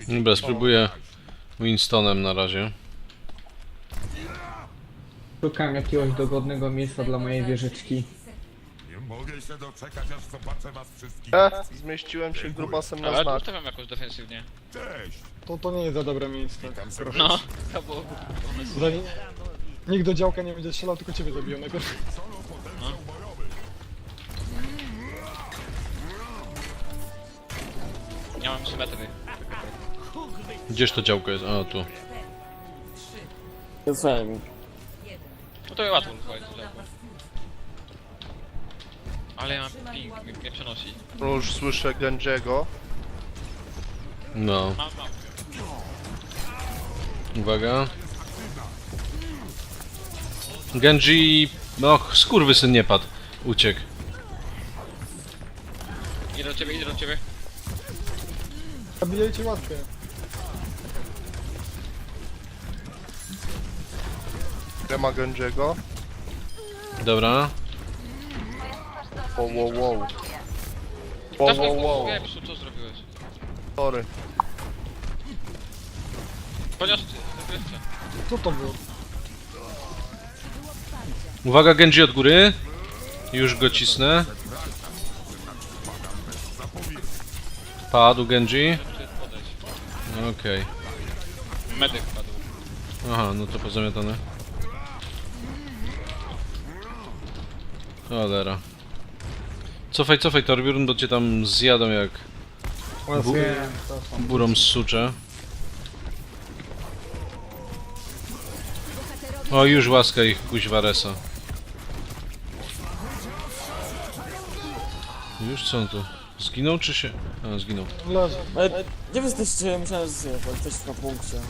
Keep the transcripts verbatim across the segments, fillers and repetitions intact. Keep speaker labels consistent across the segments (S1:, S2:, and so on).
S1: Dobra, spróbuję Winstonem na razie.
S2: Szukam jakiegoś dogodnego miejsca dla mojej wieżyczki.
S3: Nie mogę się doczekać, aż zobaczę was wszystkich.
S4: E, zmieściłem się grubasem na
S5: Ale tu
S4: znak.
S5: ustawiam jakoś defensywnie.
S3: Cześć!
S6: To, to nie jest za dobre miejsce.
S3: Witam serdecznie.
S5: No, to było pomysł.
S6: Tutaj nikt do działka nie będzie strzelał, tylko ciebie zabiją najpierw.
S3: Solo potencjał bojowy.
S5: Ja mam trzy metry.
S1: Gdzież to działko jest? A, tu.
S5: No to łatwo uchwalić to działko. Ale ja mam ping, mnie, mnie przenosi.
S4: No już słyszę Genjiego.
S1: No.
S5: Mam, mam.
S1: Uwaga. Genji... No, skurwysyn nie padł. Uciekł.
S5: Idę do ciebie, idę do ciebie.
S6: Zabijajcie łatkę.
S4: Nie ma Genjiego.
S1: Dobra.
S4: Wow, wow, wow. Wow, wow, wow.
S5: Wiem, co, co zrobiłeś.
S4: Sorry.
S5: Chociaż wygrywcie.
S6: Co to było?
S1: Uwaga, Genji od góry. Już go cisnę. Padł Genji.
S5: Podejść.
S1: Okej.
S5: Medyk padł.
S1: Aha, no to pozamiatane. Cholera. Cofaj, cofaj Torbjörn, bo cię tam zjadą jak Bu
S2: Wiem, to są.
S1: burą sucze. O, już łaska ich kuźwa resa. Już co on tu? Zginął czy się... A, zginął.
S6: Leży.
S7: Ale gdzie wy jesteście? Myślałem, że jesteście na punkcie.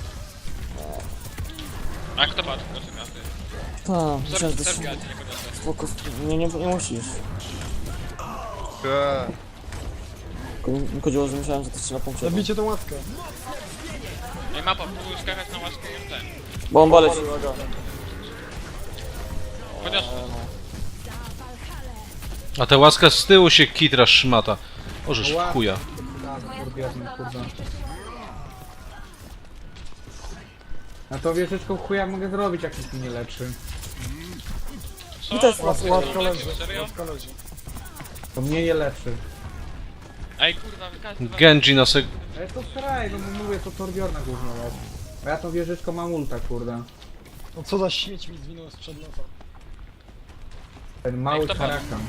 S5: A kto padł? Poczekaj, ty.
S7: Tak, myślałem, że
S5: Serb,
S7: jesteście...
S5: Serbia, nie podniosę.
S7: Spoko, nie, nie, nie musisz.
S4: E,
S7: Tylko mi chodziło, że myślałem, że jesteście na punkcie.
S6: Zabijcie tą łatkę.
S5: Ej, mapa, próbuj skakać na łaskę i ten.
S7: Bomba leci, uwaga.
S5: Chociaż
S1: A ta łaska z tyłu się kitra szmata. Ożeż w chuja.
S2: Tak, kurwierne, kurwa. A to wieżyczką chuja mogę zrobić, jak nic mi nie leczy.
S5: co?
S7: I też
S6: Łatka,
S7: łatwo.
S6: łatka leży.
S5: Serio?
S6: Łatka leży.
S2: To mnie nie leczy.
S5: Ej, kurwa, każdy...
S1: Genji na sek...
S2: Ale to straj, no bo mówię, to Torbjorna głównie leczy. A ja tą wieżyczką mam ulta, kurde.
S6: No co za śmieć mi zwinął sprzed nosa.
S2: Ten mały
S5: kto
S2: karakan.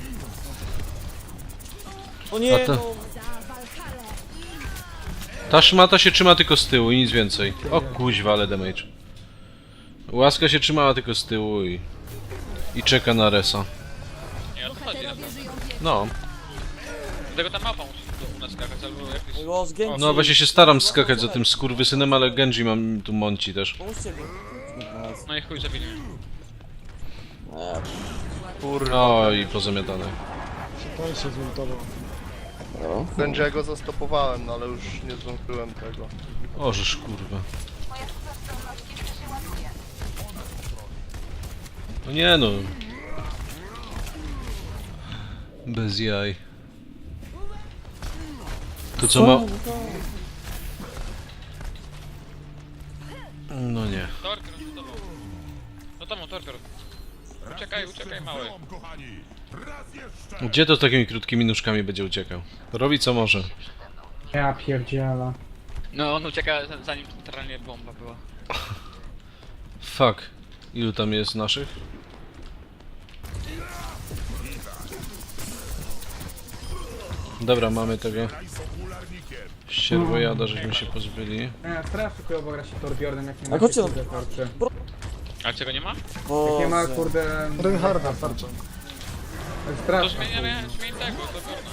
S7: O nie,
S1: A to-
S7: no.
S1: Ta szmata się trzyma tylko z tyłu i nic więcej. O kuźwa, ale damage. Łaska się trzymała tylko z tyłu i... I czeka na resa.
S5: Nie, o to chodzi naprawdę.
S1: No.
S5: Dlatego ta mapa musi do u nas skakać, albo jakieś...
S7: Los Genji.
S1: No właśnie się staram skakać za tym skurwysynem, ale Genji mam tu mąci też.
S7: Pomóżcie mi.
S5: No i chuj, zabili mnie.
S7: Eee,
S4: kurwa.
S1: O, i pozamiatane.
S6: To się zmontował.
S4: Genjiego zastopowałem, no ale już nie zdążyłem tego.
S1: Ożeż kurwa. No nie no. Bez jaj. To co ma... No nie.
S5: Torker, no to tobą. No to Torker. Uciekaj, uciekaj, mały.
S3: Byłam, kochani. Raz jeszcze!
S1: Gdzie to z takimi krótkimi nóżkami będzie uciekał? Robi co może.
S2: Ja pierdziela.
S5: No, on ucieka zanim centralnie bomba była.
S1: Fuck. Ilu tam jest naszych? Dobra, mamy tego ścierwojada, żeśmy się pozbyli.
S2: Nie, strasznie chujowo gra się Torbjornem, jak nie
S7: A
S2: ma
S7: chodźcie,
S2: kurde tarczy.
S5: Ale czego nie ma?
S2: Jak nie ma
S7: Boże.
S2: kurde...
S6: Reinharda tarcza.
S5: To
S2: Strasznie.
S5: zmieniamy, zmień tego, to górna.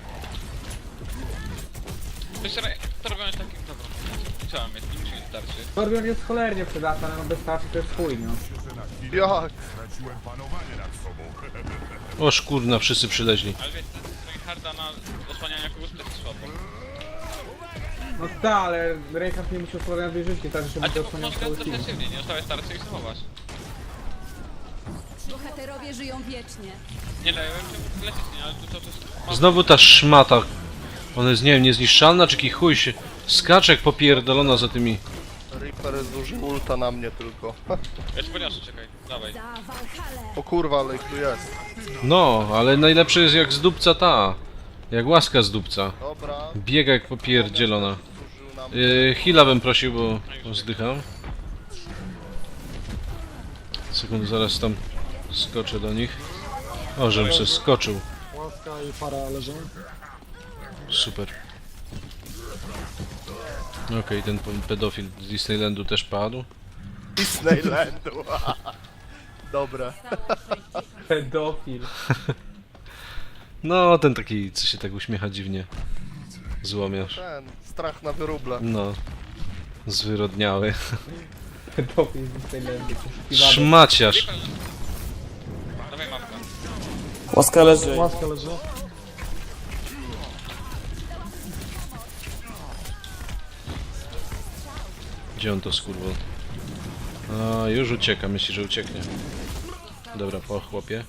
S5: To jest re... To robione takim... Dobra. Trzeba mieć, nie musi mieć tarczy.
S2: Torbjorn jest cholernie przydatny, ale no bez tarczy to jest chuj, no.
S4: Jak?
S3: Straciłem panowanie nad sobą.
S1: Oż kurna, wszyscy przyleźli.
S5: Ale wiecie, Reinharda na osłaniania kogoś to jest słabo.
S2: No tak, ale Reinhardt nie musiał składać wieżyczki, tak że
S5: A
S2: mógł
S5: ty
S2: osłaniać
S5: możesz
S2: cały
S5: grać
S2: team.
S5: defensywnie, nie zostawiać tarczy i zachować.
S8: Bohaterowie żyją wiecznie.
S5: Nie daję, czy lecieć, nie, ale to, to, to jest...
S1: Znowu ta szmata. Ona jest, nie wiem, niezniszczalna, czy jaki chuj się Skaczek popierdolona za tymi...
S4: Reaper zużył ulta na mnie tylko.
S5: Ja ci poniosę, czekaj. Dawaj.
S8: Za Walhalę.
S4: O kurwa, ale ich tu jest.
S1: No, ale najlepsze jest jak z dupca ta. Jak łaska z dupca.
S4: Dobra.
S1: Biega jak popierdzielona.
S4: Zużył na mnie.
S1: Yy, heala bym prosił, bo zdycham. Sekundę, zaraz tam skoczę do nich. O, żebym się skoczył.
S6: Łaska i para leżą.
S1: Super. Okej, ten p- pedofil z Disneylandu też padł.
S4: Disneylandu. Dobra.
S2: Pedofil.
S1: No, ten taki, co się tak uśmiecha dziwnie. Złomiarz.
S4: Ten, strach na wyruble.
S1: No. Zwyrodniały.
S2: Pedofil z Disneylandu. Poszukiwany.
S1: Szmaciarz.
S5: Dawaj mapkę.
S7: Łaska leży.
S6: Łaska leży.
S1: Gdzie on to skurwol? A, już ucieka, myśli, że ucieknie. Dobra, po chłopie.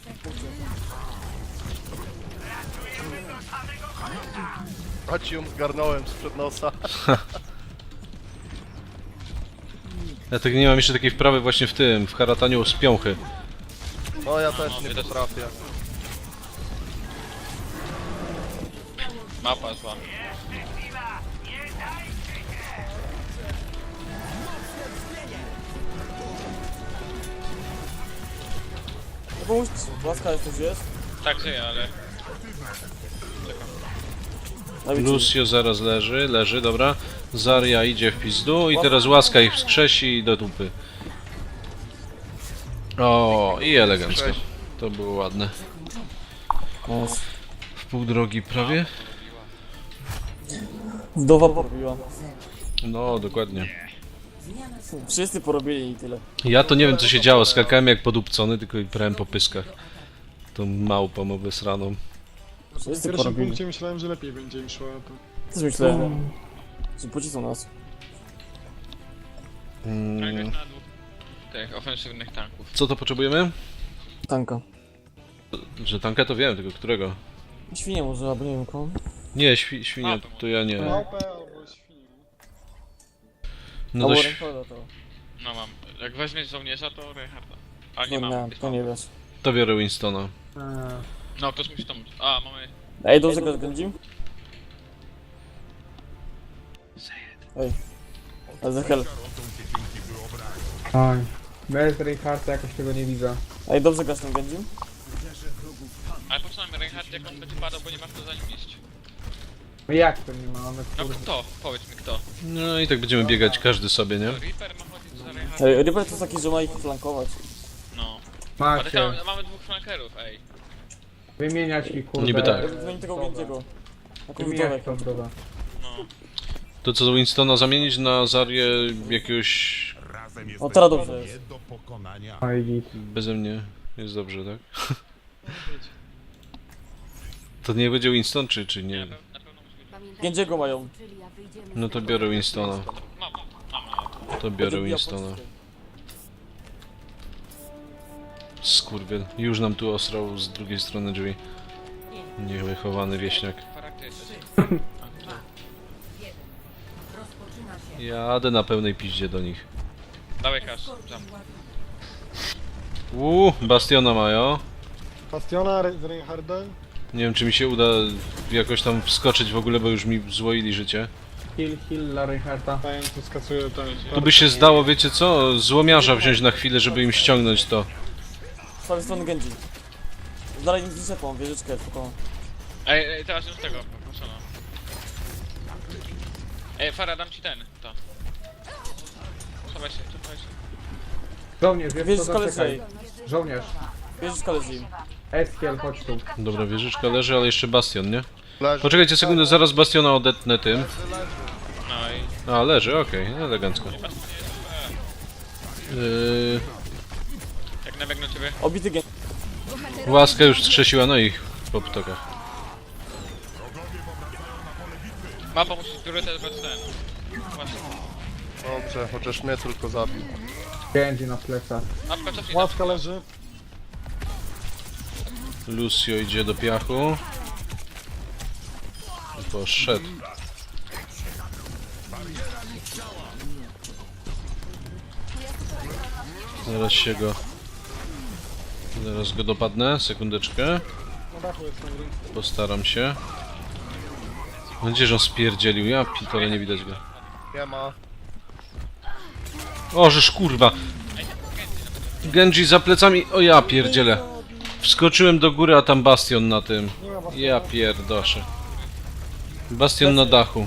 S4: A ci ją zgarnąłem sprzed nosa.
S1: Ja tak nie mam jeszcze takiej wprawy właśnie w tym, w harataniu z piąchy.
S4: No ja też nie potrafię.
S5: Mapa zła.
S7: No pomóżcie. Łaska jest, tu jest.
S5: Tak żyje, ale...
S7: Dawid,
S1: Lucio zaraz leży, leży, dobra. Zarya idzie w pizdu i teraz łaska ich wskrzesi i do dupy. O, i elegancko. To było ładne.
S7: Nice.
S1: W pół drogi prawie?
S7: Wdowa porobiła.
S1: No, dokładnie.
S7: Wszyscy porobili i tyle.
S1: Ja to nie wiem co się działo, skakałem jak podupcony, tylko i prałem po pyskach. Tą małpą obesraną.
S6: W
S7: Wszyscy
S6: pierwszym
S7: porobili.
S6: punkcie myślałem, że lepiej będzie im szło. To...
S7: Też myślałem, że pocisną nas.
S1: Mm,
S5: Grać na dwóch tych ofensywnych tanków.
S1: co to potrzebujemy?
S7: Tanka.
S1: Że tanka to wiem, tylko którego?
S7: Świnie może, albo nie wiem kogo.
S1: Nie, świ świnia to ja nie.
S6: Małpę albo świnię.
S1: No
S7: Albo
S1: to ś-
S7: Reinharda to.
S5: No mam. Jak weźmiesz żołnierza, to Reinharda. A nie
S7: No
S5: mam.
S7: nie, to nie wiesz.
S1: to biorę Winstona.
S2: A,
S5: No, ktoś musi to móc. A, mamy...
S7: Ej, dobrze go zgędzim? Ej. A za hell.
S2: Oj. Bez Reinhardta jakoś tego nie widzę.
S7: Ej, dobrze grasz tym gędzim?
S5: Ale po co nam Reinhardt, jak on będzie padał, bo nie ma kto za nim iść?
S2: No jak to nie ma? One
S5: No
S2: kurde.
S5: kto? Powiedz mi kto.
S1: No i tak będziemy biegać każdy sobie, nie?
S5: To Reaper ma chodzić za Reinhardtem?
S7: Ej, Reaper to jest taki, że ma ich flankować.
S5: No. Ale
S2: Macie.
S5: tam mamy dwóch flankerów, ej.
S2: Wymieniać mi kurde.
S1: Niby tak.
S7: Zmień tego gędziego. Taką
S2: Wymieniać
S7: wdowę.
S2: tą drogę.
S5: No.
S1: To co do Winstona zamienić na Zarię jakiegoś...
S3: Razem
S7: O,
S3: jesteśmy
S7: teraz dobrze jest.
S3: nie do pokonania.
S2: Oj, git.
S1: Beze mnie jest dobrze, tak? To nie będzie Winston, czy, czy nie?
S5: Na pewno, na pewno musi być.
S7: Gędziego mają.
S1: No to biorę Winstona.
S5: Mam, mam, mam.
S1: To biorę
S7: Będzie bijał
S1: Winstona.
S7: pociskiem.
S1: Skurwiel. Już nam tu osrał z drugiej strony drzwi. Niewychowany wieśniak.
S5: Charakter jesteś.
S1: Jadę na pełnej piździe do nich.
S5: Dawaj kasz, jump.
S1: Uuu, Bastiona mają.
S6: Bastiona Re- z Reinhardem.
S1: Nie wiem czy mi się uda jakoś tam wskoczyć w ogóle, bo już mi złoili życie.
S2: Heal, heal dla Reinhardta.
S6: Dajem tu skacuje ten.
S1: Tu by się zdało, wiecie co? Złomiarza wziąć na chwilę, żeby im ściągnąć to.
S7: Z prawej strony gędzi. Dalej nic nie czepą, wieżyczkę, spokojnie.
S5: Ej, ej, teraz już tego, proszę no. Ej, Fara, dam ci ten, to. Cofaj się, cofaj się.
S2: Żołnierz, wiesz co,
S7: Wieżyczka leży.
S2: zaczekaj. Żołnierz.
S7: Wieżyczka leży im.
S2: Eskiel, chodź tu.
S1: Dobra, wieżyczka leży, ale jeszcze Bastion, nie?
S4: Leży.
S1: Poczekajcie sekundę, zaraz Bastiona odetnę tym.
S5: No i...
S1: A, leży, okej, elegancko. Yy,
S5: Jak nabiegnę ciebie.
S7: Obity gędzi.
S1: łaska już strzesiła, no ich po ptokach.
S5: Mapa musi priorytet bez ten. Właśnie.
S4: Dobrze, chociaż mnie tylko zabił.
S2: Genji na plecach.
S5: Mapka cofnij.
S6: Łaska leży.
S1: Lucio idzie do piachu. Poszedł. Zaraz się go... Zaraz go dopadnę, sekundeczkę.
S6: Na dachu jest ten ring.
S1: Postaram się. Mam nadzieję, że on spierdzielił, ja pitole nie widać go.
S4: Nie ma.
S1: O, żeż kurwa! Genji za plecami, o ja pierdzielę. Wskoczyłem do góry, a tam bastion na tym.
S6: Nie ma was.
S1: Ja pierdoszę. Bastion na dachu.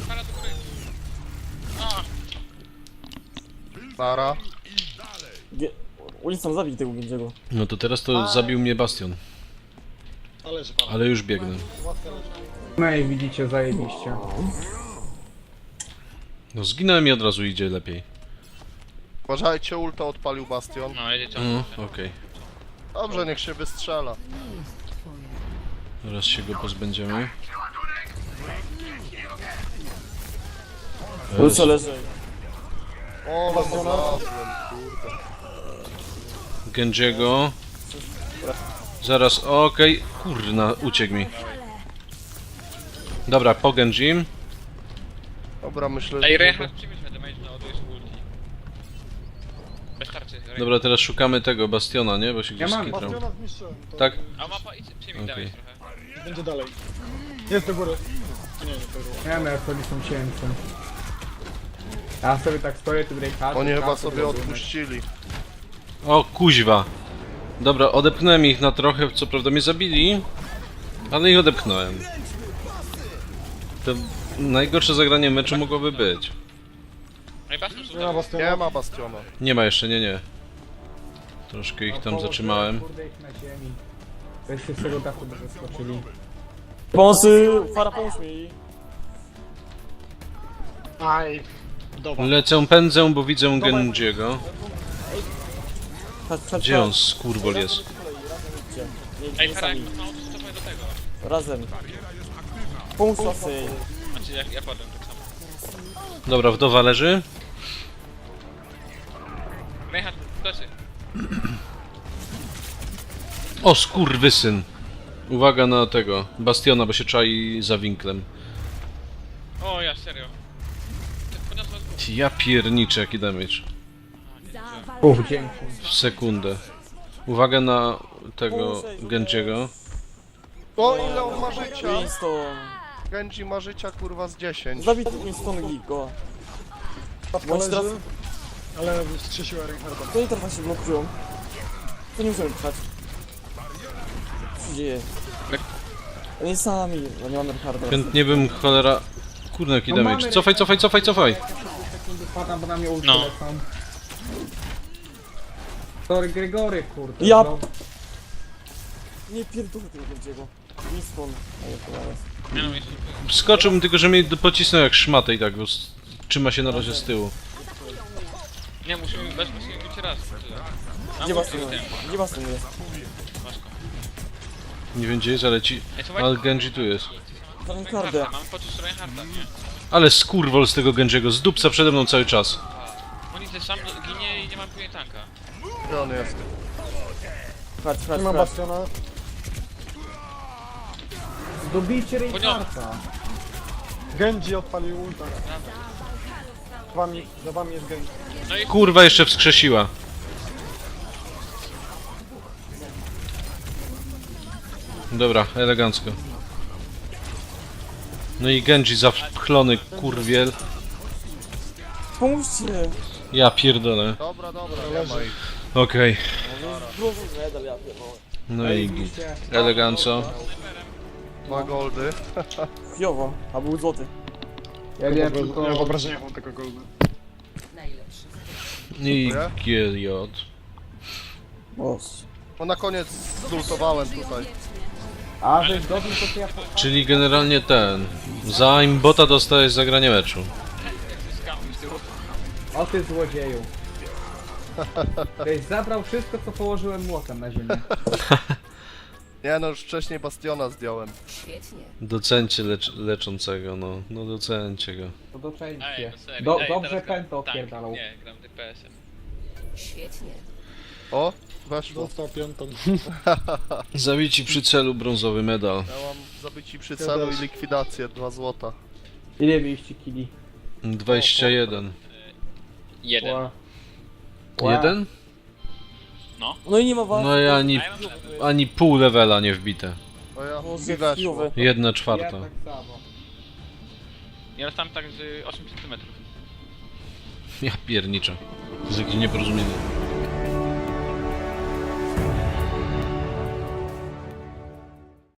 S4: Nara.
S7: Ge... Ulicą zabij tego Genjiego.
S1: No to teraz to zabił mnie bastion.
S6: Ale że pan.
S1: Ale już biegnę.
S6: Łaska leży.
S2: No i widzicie, zajebiście.
S1: No zginąłem i od razu idzie lepiej.
S4: Uważajcie, ulta odpalił Bastion.
S5: No, jedzie ciągle.
S1: No, okej.
S4: Dobrze, niech się wystrzela.
S1: Teraz się go pozbędziemy.
S7: Ulica leży.
S4: O, no znalazłem, kurde.
S1: Genjiego. Zaraz, okej. Kurna, uciekł mi. Dobra, po Genjim.
S4: Dobra, myślę, że...
S5: Ej, Reinhardt, przyjmij sobie damage na odejść ulti. Bez tarczy, Reinhardt.
S1: Dobra, teraz szukamy tego bastiona, nie? Bo się gdzieś
S2: Ja mam
S1: skitrał.
S6: Bastiona zniszczyłem. To
S1: Tak?
S5: A mapa, idź, przyjmij
S1: Okej.
S5: damage trochę.
S6: będzie dalej. Jest do góry. Nie, nie, to było.
S2: Nie wiem, jak sobie są ciężce. Ja sobie tak stoję, tu breakhacie.
S4: Oni chyba sobie odpuścili.
S1: O, kuźwa. Dobra, odepchnąłem ich na trochę, co prawda mnie zabili, ale ich odepchnąłem. To najgorsze zagranie meczu mogłoby być.
S5: No i patrz,
S6: Nie ma Bastiona.
S4: Nie ma Bastiona.
S1: Nie ma jeszcze, nie, nie. Troszkę ich tam zatrzymałem.
S2: Kurde, ich na ziemi. Weźcie z tego dachu, by wyskoczyli.
S7: Pomocy! Fara, pomóż mi!
S6: Aj. Dobra.
S1: Lecę, pędzę, bo widzę Genjiego.
S7: Chodź, chodź,
S1: Gdzie on,
S7: chodź.
S1: skurwol jest?
S7: Po kolei, razem idźcie. Nie
S5: Ej,
S7: idźcie
S5: Fara, jak
S7: sami.
S5: mało, to cofaj do tego.
S7: Razem. Pomóż lasy.
S5: Znaczy, jak ja padłem tak samo.
S1: Dobra, wdowa leży.
S5: Reinhardt, plecy.
S1: O, skurwysyn. Uwaga na tego, bastiona, bo się czai za winklem.
S5: O, ja, serio. Ty Podniosłem z góry.
S1: Ja pierniczę, jaki damage.
S2: Uff, dzięki.
S1: W sekundę. Uwaga na tego Genjiego.
S4: O, ile on ma życia?
S7: Winston.
S4: Genji ma życia, kurwa, z dziesięć.
S7: Zabij Winston Gigo.
S6: Patka
S7: Bądź teraz...
S6: leży. Ale wskrzesiła Reinharda.
S7: To nie teraz się blokują. To nie musimy trwać. Co się dzieje? Oni sami, bo nie mamy Reinharda.
S1: Chętnie bym cholera... Kurde, jaki
S2: No
S1: damage.
S2: mamy
S1: Cofaj, cofaj, cofaj, cofaj!
S2: Sekundy padam, bo na mnie ulti
S5: No.
S2: lecą. Sorry, Gregory, kurde.
S7: Ja-
S2: no.
S7: Nie pierdolę tego Genjiego. Winston. A ja to zaraz.
S5: Nie no, jest...
S1: Skoczyłbym, tylko że mnie pocisnął jak szmatę i tak, bo s- trzyma się na razie z tyłu.
S5: Nie, musimy, bez musimy być raz. A
S7: Gdzie
S5: ulti
S7: Bastion
S5: już
S7: jest?
S5: ten.
S7: Gdzie Bastion jest?
S5: Masz go.
S1: Nie wiem gdzie jest, ale ci...
S5: Ej, słuchaj,
S1: Ale Genji tu jest.
S7: Za Reinharda.
S5: Reinharda, mamy poczuć Reinharda, nie?
S1: Ale skurwol z tego Genjiego, z dupca przede mną cały czas.
S5: Oni też sam ginie i nie ma później tanka.
S4: Gdzie on jest?
S7: Chodź, chodź,
S6: Nie ma
S7: chodź.
S6: Bastiona.
S2: Dobijcie Reinhardta.
S6: Genji odpalił ulta. Za wami, za wami jest Genji.
S5: No i
S1: Kurwa, jeszcze wskrzesiła. Dobra, elegancko. No i Genji zapchlony kurwiel.
S7: Pomóżcie!
S1: Ja pierdolę.
S4: Dobra, dobra, nie ma ich.
S1: Okej.
S7: Złożył medal, ja pierdolę.
S1: No i git. Eleganco.
S4: Dwa goldy.
S7: Chujowo, a był złoty.
S2: Ja
S6: Ja
S2: wiem,
S6: w
S2: tylko...
S6: wyobrażeniach mam tego golda.
S1: I G J.
S7: Boss.
S4: No na koniec zultowałem tutaj.
S2: A, że dobił to co ja... po-
S1: Czyli generalnie ten. Za imbota dostajesz zagranie meczu.
S5: skamuj z tyłu.
S2: O ty złodzieju. Żeś zabrał wszystko, co położyłem młotem na ziemię.
S4: Nie no, już wcześniej Bastiona zdjąłem.
S1: Docencie lecz, leczącego, no. No docencie go.
S2: To doczęście.
S5: Ej, no serio.
S2: Do,
S5: Ej,
S2: dobrze
S5: teraz gram-
S2: pęto
S5: tak,
S2: odpierdalał.
S5: Nie, gram D P S-em.
S4: O, weszło.
S6: Dostał piątą.
S1: Zawici przy celu brązowy medal.
S4: Ja mam zabici przy celu i likwidację, dwa złota.
S2: Ile mieliście kili?
S1: dwadzieścia jeden.
S5: Jeden.
S2: Ła. Ła.
S1: Jeden?
S7: No i nie ma was.
S1: No i ani, ani pół levela nie wbite.
S4: O ja
S7: Boże,
S4: mi weszło.
S7: chujowe.
S1: Jedna
S2: Ja
S1: czwarta.
S2: tak samo.
S5: Ja tam tak z osiem centymetrów.
S1: Ja pierniczę. To jest jakieś nieporozumienie.